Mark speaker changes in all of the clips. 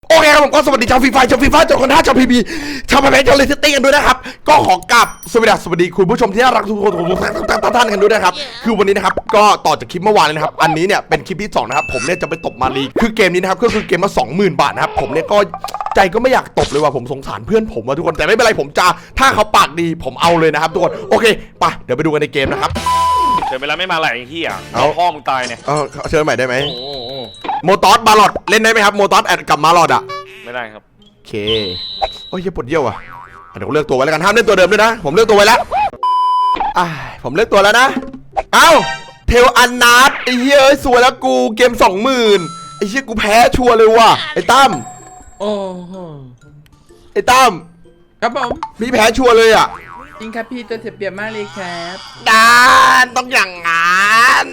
Speaker 1: โอเคครับผมก็สวัสดีชาวฟีฟ่าชาวคนท่าชาวพีบีชาวแพนชาวเลสเต้กันด้วยนะครับก็ขอกราบสวัสดีคุณผู้ชมที่น่ารักทุกคนทุกท่านกันด้วยนะครับคือวันนี้นะครับก็ต่อจากคลิปเมื่อวานเลยนะครับอันนี้เนี่ยเป็นคลิปที่2นะครับผมเนี่ยจะไปตบมาลีคือเกมนี้นะครับก็คือเกมละ 20,000 บาทนะครับผมเนี่ยก็ใจก็ไม่อยากตบเลยว่ะผมสงสารเพื่อนผมว่ะทุกคนแต่ไม่เป็นไรผมจะถ้าเขาปากดีผมเอาเลยนะครับทุกคนโอเคไปเดี๋ยวไปดูกันในเกมนะครับ
Speaker 2: เชิญไปแล้วไม่มาไหลไอ้เหี้ยเอาพ่อมึงตายเนี่ย
Speaker 1: เชิญใหม่ได้ไหมโมตอสมาลอดเล่นได้ไหมครับโมตอสแอดกับมาลอดอ่ะ
Speaker 2: ไม่ได้ครับ
Speaker 1: โอเคโอ้ยปวดเยี่ยวอ่ะเดี๋ยวผมเลือกตัวไว้แล้วกันห้ามเล่นตัวเดิมด้วยนะผมเลือกตัวไว้แล้วผมเลือกตัวแล้วนะเอ้าเทลอันนัดไอ้เหี้ยสวยแล้วกูเกม 20,000ไอ้เหี้ยกูแพ้ชัวร์เลยว่ะไอ้ตั้ม
Speaker 3: โอ้โห
Speaker 1: ไอ้ตั้ม
Speaker 3: ครับผม
Speaker 1: พี่แพ้ชัวร์เลยอ่ะ
Speaker 3: จริงครับพี่ตัวเสียเปรียบมากเลยครับ
Speaker 1: ดานต้องอย่างงั้น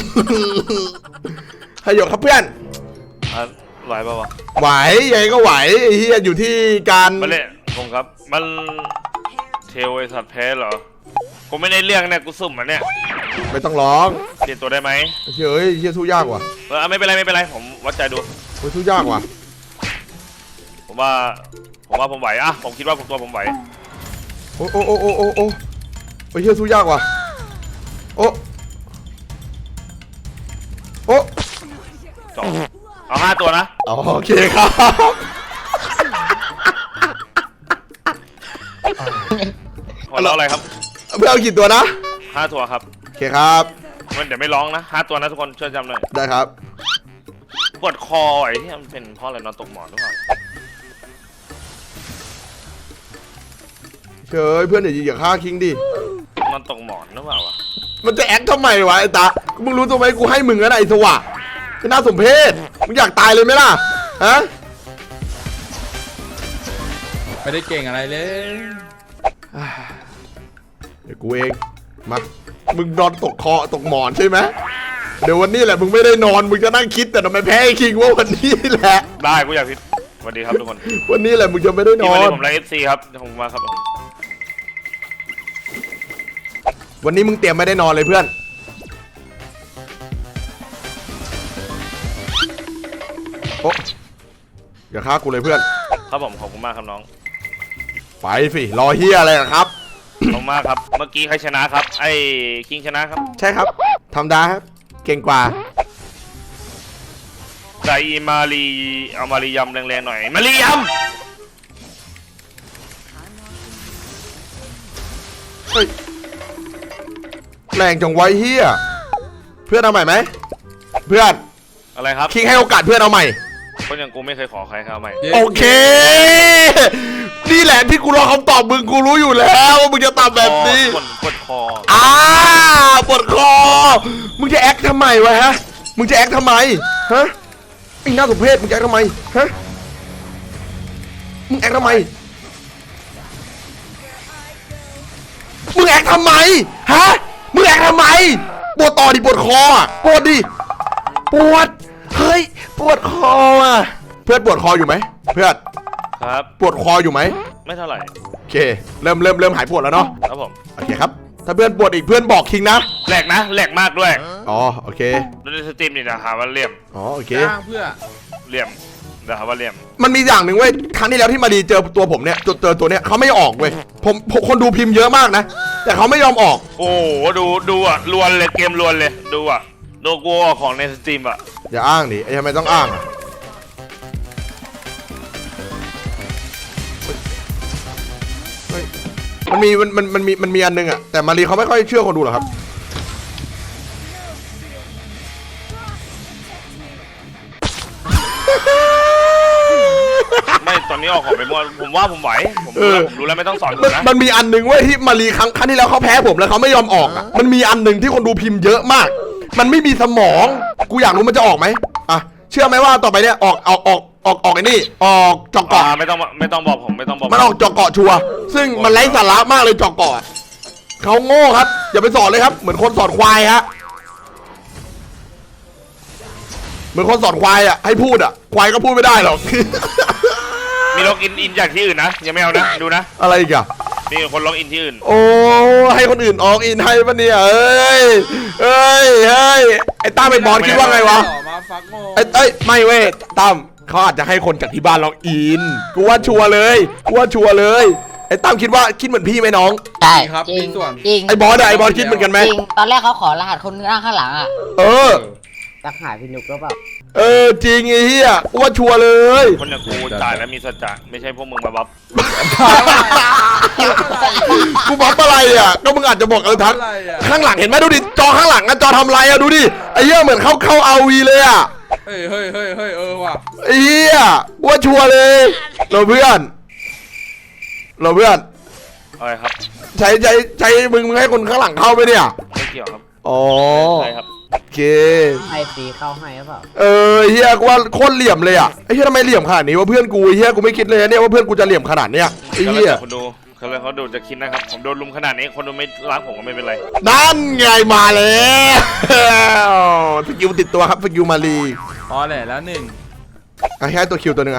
Speaker 1: ให้หยกครับเพื่อน
Speaker 2: ไหวป่าวะ
Speaker 1: ไหวยังไงก็ไหวไอ้เหี้ยอยู่ที่การ
Speaker 2: มาเล่นผมครับมันเทลไอสัตว์แพ้เหรอกูไม่ได้เรื่องเนี่ยกูสุ่มมันเนี่ย
Speaker 1: ไม่ต้องร้อง
Speaker 2: เปลี่ยนตัวได้ไหม
Speaker 1: เฮ้ยสู้ยากว่ะ
Speaker 2: ไม่เป็นไรผมวัดใจดู
Speaker 1: สู้ยากว่ะ
Speaker 2: ผมว่าผมไหวอะผมคิดว่าผมไหว
Speaker 1: โอ้เฮ้ยสู้ยากว่ะโอ้
Speaker 2: จบเอา5 ตัวนะ
Speaker 1: โอเคครับ
Speaker 2: แล้วอะไรครับ
Speaker 1: เพื่อเอากี่ตัวนะ
Speaker 2: 5 ตัวครับ
Speaker 1: โอเคครับ
Speaker 2: มันเดี๋ยวไม่ร้องนะ5 ตัวนะทุกคนช่วยจำหน่อย
Speaker 1: ได้ครับ
Speaker 2: ปวดคอไอ้ที่มันเป็นเพราะอะไรนอนตกหมอนหรือเปล่า
Speaker 1: เฮ้ยเพื่อนอย่าฆ่าคิงดิ
Speaker 2: นอนตกหมอนหรือเปล่าวะ
Speaker 1: มันจะแอคทำไมวะไอ้ตามึงรู้ตัวไหมกูให้มึงนะไอ้สวะก็น่าสมเพชมึงอยากตายเลยไหมล่ะฮะ
Speaker 3: ไม่ได้เก่งอะไรเลย
Speaker 1: เดี๋ยวกูเองมามึงนอนตกหมอนใช่ไหมเดี๋ยววันนี้แหละมึงไม่ได้นอนมึงจะนั่งคิดแต่ทำไมแพ้ไอ้คิงว่าวันนี้แหละ
Speaker 2: ได้กูอยากคิดสวัสดีครับทุกคน
Speaker 1: วันนี้แหละมึงจะไม่ได้นอน
Speaker 2: ผมไลฟ์FCครับผมมาครับ
Speaker 1: วันนี้มึงเตรียมไม่ได้นอนเลยเพื่อนโอ้อย่าฆ่ากูเลยเพื่อน
Speaker 2: ครับผมขอบคุณมากครับน้อง
Speaker 1: ไปสิรอเฮียอะไรครับ
Speaker 2: ขอบคุณมากครับเมื่อกี้ใครชนะครับไอ้คิงชนะครับ
Speaker 1: ใช่ครับทำได้ครับเก่งกว่า
Speaker 2: ใส่มารีเอามารียำแรงๆหน่อยมารียำ
Speaker 1: เฮ้ยแรงจังไว้เฮียเพื่อนเอาใหม่ไหมเพื่อน
Speaker 2: อะไรครับ
Speaker 1: คิงให้โอกาสเพื่อนเอาใหม่
Speaker 2: คนอย่างกูไม่เคยขอใครเขาใหม่
Speaker 1: โอเคนี่แหละที่กูรอคำตอบมึงกูรู้อยู่แล้วว่ามึงจะตอบแบบนี้
Speaker 2: ปวดคอ
Speaker 1: ปวดคอมึงจะแอคทำไมวะฮะมึงจะแอคทำไมฮะไอ้หน้าสมเพชมึงจะแอคทำไมฮะมึงแอคทำไมมึงแอคทำไมฮะมึงแอคทำไมปวดต่อดิปวดคอปวดดิปวดเฮ้ยปวดคอเพื่อนปวดคออยู่ไหมเพื่อน
Speaker 2: ครับ
Speaker 1: ปวดคออยู่ไหม
Speaker 2: ไม่เท่าไหร่
Speaker 1: โอเคเริ่มหายปวดแล้วเนาะ
Speaker 2: ครับผม
Speaker 1: โอเคครับถ้าเพื่อนปวดอีกเพื่อนบอกคิงนะ
Speaker 2: แหลกมากด้วย
Speaker 1: โอเค
Speaker 2: ในสตรีมนี่นะหาว่าเลี่ยม
Speaker 1: โอเค
Speaker 3: เพื่อ
Speaker 2: เลี่ยมนะหาว่าเลี่ยม
Speaker 1: มันมีอย่างหนึ่งเว้ยครั้งที่แล้วที่มาดีเจอตัวผมเนี่ยเจอตัวเนี้ยเขาไม่ออกเว้ยผมคนดูพิมพ์เยอะมากนะแต่เขาไม่ยอมออก
Speaker 2: โอ้ดูอ่ะลวนเลยเกมลวนเลยดูอ่ะโลโก้ของในสตรีมอ่ะ
Speaker 1: อย่าอ้างดิทำไมต้องอ้างมันมีอันนึงอะแต่มารีเขาไม่ค่อยเชื่อคนดูหรอกครับ
Speaker 2: ไม่ตอนนี้ออกของไปมั่วผมว่าผมไหวผมรู้แล้วไม่ต้องสอนนะ
Speaker 1: มันมีอันนึงเว้ยที่มารีครั้งที่แล้วเขาแพ้ผมแล้วเขาไม่ยอมออกอะมันมีอันนึงที่คนดูพิมพ์เยอะมากมันไม่มีสมองกูอยากรู้มันจะออกไหมอ่ะเชื่อไหมว่าต่อไปเนี่ยออกไอ้นี่ออกจอกเกาะ
Speaker 2: ไม่ต้องบอกผมไม่ต้องบอก
Speaker 1: มันออกจอกเกาะชัวร์ซึ่งมันไร้สาระมากเลยจอกเกาะเขาโง่ครับอย่าไปสอนเลยครับเหมือนคนสอนควายฮะเหมือนคนสอนควายอ่ะให้พูดอ่ะควายก็พูดไม่ได้หรอก
Speaker 2: มีล็อกอินจากที่อื่นนะยังไม่เอานะดูนะ
Speaker 1: อะไรอีกอะ
Speaker 2: มีคนล็อกอินที่อื่น
Speaker 1: โอ้ให้คนอื่นออกอินให้ปะเนี่ยเอ้ยไอ้ตั้มไปบอลคิดว่าไงวะไอ้ไม่เว้ยตั้มเขาอาจจะให้คนจากที่บ้านเราอินกูว่าชัวร์เลยไอ้ตั้มคิดเหมือนพี่ไหมน้อง
Speaker 4: ใช่
Speaker 3: ครับ
Speaker 4: จริ
Speaker 3: มี
Speaker 4: ง
Speaker 3: ส่วน
Speaker 4: จริง
Speaker 1: ไอ้บอสคิดเหมือนกันไหม
Speaker 4: จริงตอนแรกเขาขอรหัสคนนั่งข้างหลังอ่ะ
Speaker 1: เออ
Speaker 4: รักหายพี่นุกก็เปล่า
Speaker 1: จริงไอ้เหี้ยกูว่าชัวร์เลย
Speaker 2: คนอย่างกูจ่ายแล้วมีสัจจะไม่ใช่พวกมึงมาบัฟ
Speaker 1: กูบัฟอะไรอ่ะก็มึงอาจจะบอกทัก
Speaker 3: อะไรอ่ะ
Speaker 1: ข้างหลังเห็นไหมดูดิจอข้างหลังอะจอทำไรอะดูดิไอ้เหี้ยเหมือนเข้าเอาวีเลยอะ
Speaker 3: เฮ้ยว่ะ
Speaker 1: ไอ้เหี้ยว่าชัวร์เลยเราเพื่อน
Speaker 2: อะไรครับ
Speaker 1: ใช้มึงให้คนข้างหลังเข้าไปเนี่ย
Speaker 2: ไม่เกี่ยวครับ
Speaker 1: อ๋อ
Speaker 2: ใช่ครับ
Speaker 1: โอเค
Speaker 4: ให้ฟรีเข้าให้หรือเปล่า
Speaker 1: ไอ้เหี้ยกูว่าโคตรเหลี่ยมเลยอะไอ้เหี้ยทำไมเหลี่ยมขนาดนี้วะเพื่อนกูไอ้เหี้ยกูไม่คิดเลยนะเนี่ยว่าเพื่อนกูจะเหลี่ยมขนาดเนี้ยไอ้
Speaker 2: ก็แล้ว
Speaker 1: เหี้ย
Speaker 2: แต่คนดูเขาเลยเขาดูจะคิดนะครับ ผมโดนลุมขนาดนี้คนดูไม่ล้างผมก็ไม่เป็นไร
Speaker 1: นั่นไงมาแล้วสกิลติดตัวครับสกิลมาลี
Speaker 3: พอแหละแล้วหนึ่ง
Speaker 1: แค่ตัวคิวตัวหนึงอะ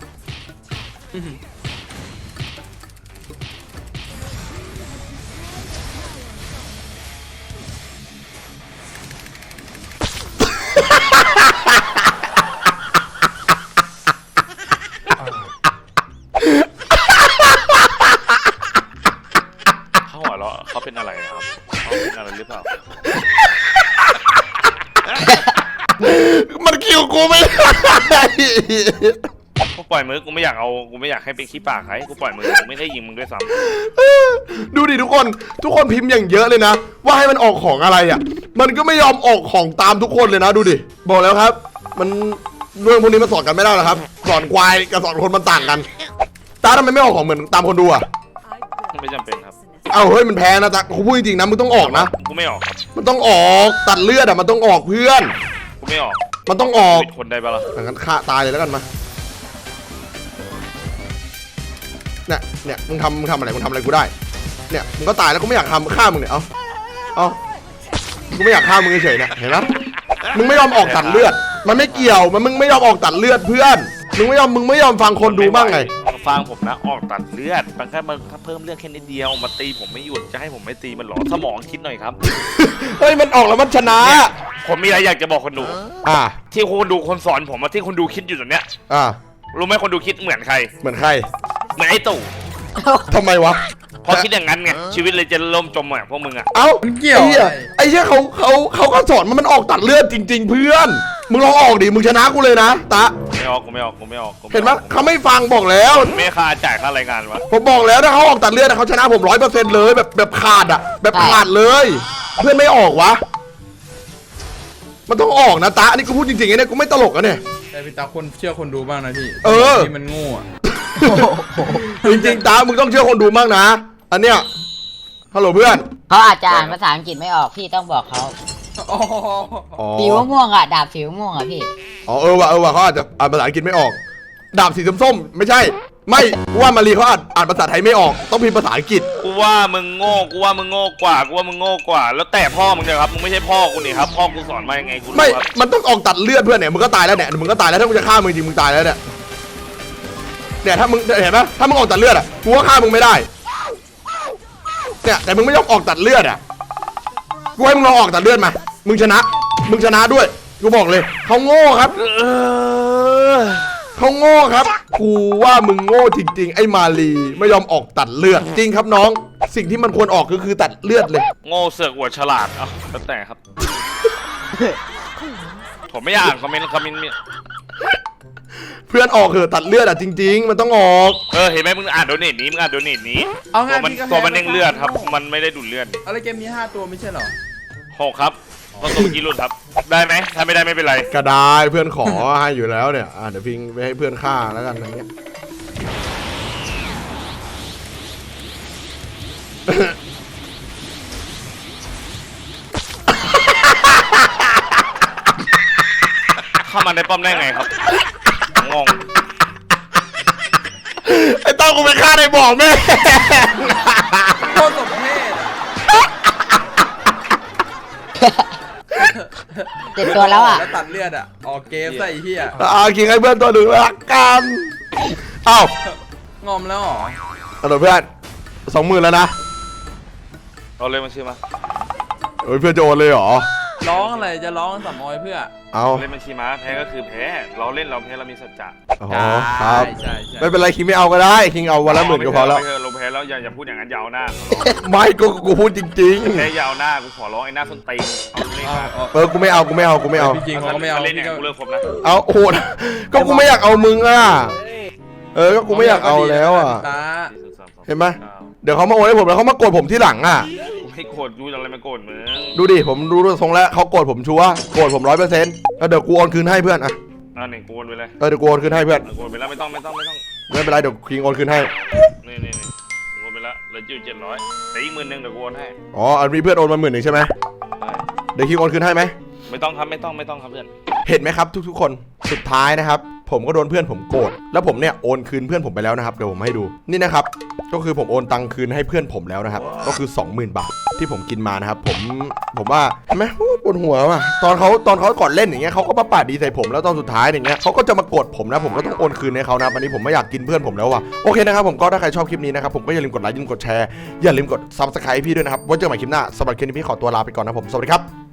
Speaker 2: เขาหัวเราะเขาเป็นอะไรนะครับเขาเป็นอะไรหรือเปล่า
Speaker 1: มันคิวกูไม่ได้
Speaker 2: กูปล่อยมือกูไม่อยากให้เป็นขี้ปากใครกูปล่อยมือกูไม่ได้ยิงมึงด้วยซ้
Speaker 1: ดูดิทุกคนพิมพ์อย่างเยอะเลยนะ ว่าให้มันออกของอะไรอ่ะ มันก็ไม่ยอมออกของตามทุกคนเลยนะดูดิบอกแล้วครับ มันเรื่องพวกนี้มันสอนกันไม่ได้หรอกครับ สอนควายกับสอนคนมันต่างกันตาทำไมไม่ออกของเหมือนตามคนดูอ่ะ
Speaker 2: ำไม่จำเป็นครับ
Speaker 1: เอ้าเฮ้ยมันแพ้นะตากูพูดจริงๆนะมึงต้องออกนะ
Speaker 2: กูไม่ออกครับ
Speaker 1: มันต้องออกตัดเลือดอ่ะมันต้องออกเพื่อน
Speaker 2: กูไม่ออก
Speaker 1: มันต้องออก
Speaker 2: ปิดคนได้ปะล่ะ
Speaker 1: อย่างนั้นฆ่าตายเลยแล้วกันมาเนี่ยมึงทำอะไรกูได้เนี่ยมึงก็ตายแล้วกูไม่อยากทำฆ่ามึงเนี่ยเอากูไม่อยากฆ่ามึงเฉยๆเนี่ยเห็นไหมมึงไม่ยอมออกตัดเลือด มันไม่เกี่ยวมึงไม่ยอมออกตัดเลือดเพื่อนมึงไม่ยอมฟังคนดูบ้างไง
Speaker 2: ฟังผมนะออกตัดเลือดมันแค่มันเพิ่มเลือดแค่นิดเดียวมาตีผมไม่หยุดจะให้ผมไม่ตีมันหรอสมองคิดหน่อยครับ
Speaker 1: เฮ้ยมันออกแล้วมันชนะ
Speaker 2: เนี่ยผมมีอะไรอยากจะบอกคนดู
Speaker 1: อ่า
Speaker 2: ที่คนดูคนสอนผมอะที่คนดูคิดอยู่ตรงเนี้ย
Speaker 1: อ่า
Speaker 2: รู้ไหมคนดูคิดเหมือนใคร
Speaker 1: เหมือนใคร
Speaker 2: เหมือนไอ้ตู่
Speaker 1: ทำไมวะ
Speaker 2: พอคิดอย่างนั้นไงชีวิตเลยจะล่มจมเหมือนพวกมึงอะ
Speaker 1: เอ้า
Speaker 3: มันเกี่ยว
Speaker 1: ไอ้เหี้ยเขาก็สอนมันออกตัดเลือดจริง ๆ เพื่อนมึงลองออกดิมึงชนะกูเลยนะตะ
Speaker 2: ไม่ออกกูไม่ออก
Speaker 1: เห็นไหมเขาไม่ฟังบอกแล้ว
Speaker 2: ไม่ค่าจ่ายค่ารายงานวะ
Speaker 1: ผมบอกแล้วถ้าเขาออกตัดเลือดเขาชนะผม100%เลยแบบขาดอ่ะแบบขาดเลย เพื่อนไม่ออกวะมันต้องออกนะตะนี่กูพูดจริงๆเนี่ยกูไม่ตลกอะเนี่ย
Speaker 3: แต่พี่ตาคนเชื่อคนดูบ้างนะพี่
Speaker 1: เออ
Speaker 3: ที่มันโง่อะ
Speaker 1: จริงๆตามึงต้องเชื่อคนดูบ้างนะอันเนี้ยฮัลโหลเพื่อน
Speaker 4: เขาอาจจะอ่านภาษาอังกฤษไม่ออกพี่ต้องบอกเขา
Speaker 3: อ๋อ
Speaker 1: อ๋อ
Speaker 4: สีม่วงๆอ่ะดาบสีม่วงๆอ่ะพี่
Speaker 1: อ๋อเออว่ะเขาอาจจะอ่านภาษาอังกฤษไม่ออก ดาบสีส้มๆไม่ใช่ ไม่กูว่ามารีเขาอ่านภาษาไทยไม่ออกต้องพิมพ์ภาษาอังกฤษ
Speaker 2: กูว่ามึงโง่กว่าแล้วแต่พ่อมึงเนี่ยครับมึงไม่ใช่พ่อกูนี่ครับพ่อกูสอนมายังไงกูรู้
Speaker 1: ไม่
Speaker 2: ครับ
Speaker 1: มันต้องออกตัดเลือดเพื่อนเนี่ยมึงก็ตายแล้วเนี่ยมึงก็ตายแล้วถ้ามึงจะฆ่ามึงจริงมึงตายแล้วเนี่ยถ้ามึงเห็นไหมถ้ามึงออกตัดเลือดอ่ะกูก็ฆ่ามึงไม่ได้เนี่ยแต่มึงไม่ยอมออกตัดเลือดอ่ะกูให้มึงลองออกตัดเลือดมามึงชนะด้วยกูบอกเลยเขาโง่ครับเขาโง่ครับกูว่ามึงโง่จริงๆไอ้มาลีไม่ยอมออกตัดเลือดจริงครับน้องสิ่งที่มันควรออกก็คือตัดเลือดเลย
Speaker 2: โง่เสือกอวดฉลาดเอ้าแล้วแต่ครับ ผมไม่อ่านคอมเมนต์
Speaker 1: เพื่อนออกเถอะตัดเลือดอ่ะจริงๆมันต้องออก
Speaker 2: เห็นไหมมึงอ่านโดเนทนี้
Speaker 3: เอาไง
Speaker 2: ตัวมันเด้งเลือดครับมันไม่ได้ดูดเลือด
Speaker 3: อะไรเกมมี5 ตัวไม่ใช่เหรอ
Speaker 2: 6ครับก็ตัวเมื่อกี้รุ่นครับได้ไหมถ้าไม่ได้ไม่เป็นไร
Speaker 1: ก็ได้เพื่อนขอ ให้อยู่แล้วเนี่ยเดี๋ยวพิงไปให้เพื่อนฆ่าแล้วกันอย่างเงี้ย
Speaker 2: เข้ามาในป้อมได้ไงครับงง
Speaker 1: ไอ้ต้องกูไปฆ่าในบ่อแม่
Speaker 3: โคตรสมเพศ
Speaker 4: เจ็บตัวแล้วอ่ะ
Speaker 3: แล้วตัดเลือดอะออกเกมซะไอ้เหี้ย
Speaker 1: คิงให้เพื่อนตัวหนึ่งละกันเอ้าง
Speaker 3: อมแล้วเหรอ
Speaker 1: ฮัลโหลเพื่อน20,000แล้วนะ
Speaker 2: เอาเลยมาชื่อมา
Speaker 1: เฮ้ยเพื่อนจะโอนเลยเหรอ
Speaker 3: ร้องอะไรจะร้องสามออยเพื่อ
Speaker 1: เอา
Speaker 2: เล่นบัญชีม้าแพ้ก็คือแพ้เราเล่นเราแพ้เรามีสัจจะ
Speaker 1: อ๋อครับ
Speaker 3: ใช่
Speaker 1: ไม่เป็นไรคิงไม่เอาก็ได้คิงเอาวันละ10,000ก็พอแล้ว
Speaker 2: ไม่เถอะเราแพ้แล้วอย่าพูดอย่างนั้นยาวหน้า
Speaker 1: ไม่กูพูดจริง
Speaker 2: แพ้ยาวหน้ากูขอร้องไอ้หน้าส้นตีนเอาเล่นมา
Speaker 1: ๆกูไม่เอากูไม่เอากูไม่เอา
Speaker 3: พี่คิงเขาก็ไม่เอา
Speaker 2: เล่น
Speaker 3: พี่
Speaker 2: เนี่ย
Speaker 3: ก็
Speaker 2: กูเลิกคบนะ
Speaker 1: เอาโอ้โหก็กูไม่อยากเอามึงอ่ะก็กูไม่อยากเอาแล้วอ่ะ
Speaker 3: ตา
Speaker 1: เห็นไหมเดี๋ยวเขามาโอนให้ผมแล้วเขามาโกรธผมที่หลังอ่ะ
Speaker 2: กูไม่โกรธกูจะอะไรมาโกรธมึง
Speaker 1: ดูดิผมดูทรงแล้วเขาโกรธผมชัวร์โกรธผม100%แล้วเดี๋ยวกูโอนคืนให้เพื่อนอ่ะ
Speaker 2: หนึ่งกูโอนไปเลย
Speaker 1: เดี๋ยวกูโอนคืนให้เพื่อน
Speaker 2: โอนไปแล้วไม่ต้อง
Speaker 1: ไม่เป็นไรเดี๋ยวคิงโอนคืนให้
Speaker 2: นี่โอนไปแล้วเหลือจิ้ว700แต่อีก10,000เดี๋ยวกูโอนให้
Speaker 1: อ๋อมีเพื่อนโอนมา10,000ใช่ไหมเดี๋ยวคิงโอนคืนให้ไหม
Speaker 2: ไม่ต้องครับเพื่อน
Speaker 1: เห็นไหมครับทุกๆคนสุดท้ายนะครับผมก็โดนเพื่อนผมโกรธแล้วผมเนี่ยโอนคืนเพื่อนผมไปแล้วนะครับเดี๋ยวผมให้ดูนี่นะครับก็คือผมโอนตังคืนให้เพื่อนผมแล้วนะครับก็คือ 20,000 บาทที่ผมกินมานะครับผมว่าเห็นไหมปวดหัวว่ะตอนเขาก่อนเล่นอย่างเงี้ยเขาก็มาปาดดีใส่ผมแล้วตอนสุดท้ายอย่างเงี้ยเขาก็จะมาโกรธผมนะผมก็ต้องโอนคืนให้เขานะวันนี้ผมไม่อยากกินเพื่อนผมแล้วว่ะโอเคนะครับผมก็ถ้าใครชอบคลิปนี้นะครับผมก็อย่าลืมกดไลค์อย่าลืมกดแชร์อย่าลืมกด Subscribe พี่ด้วยนะครับไว้เจอกันใหม่คลิปหน้าสำหรับคลิปนี้พี่ขอตัวลาไปก่อนนะผมสวัสดีครับ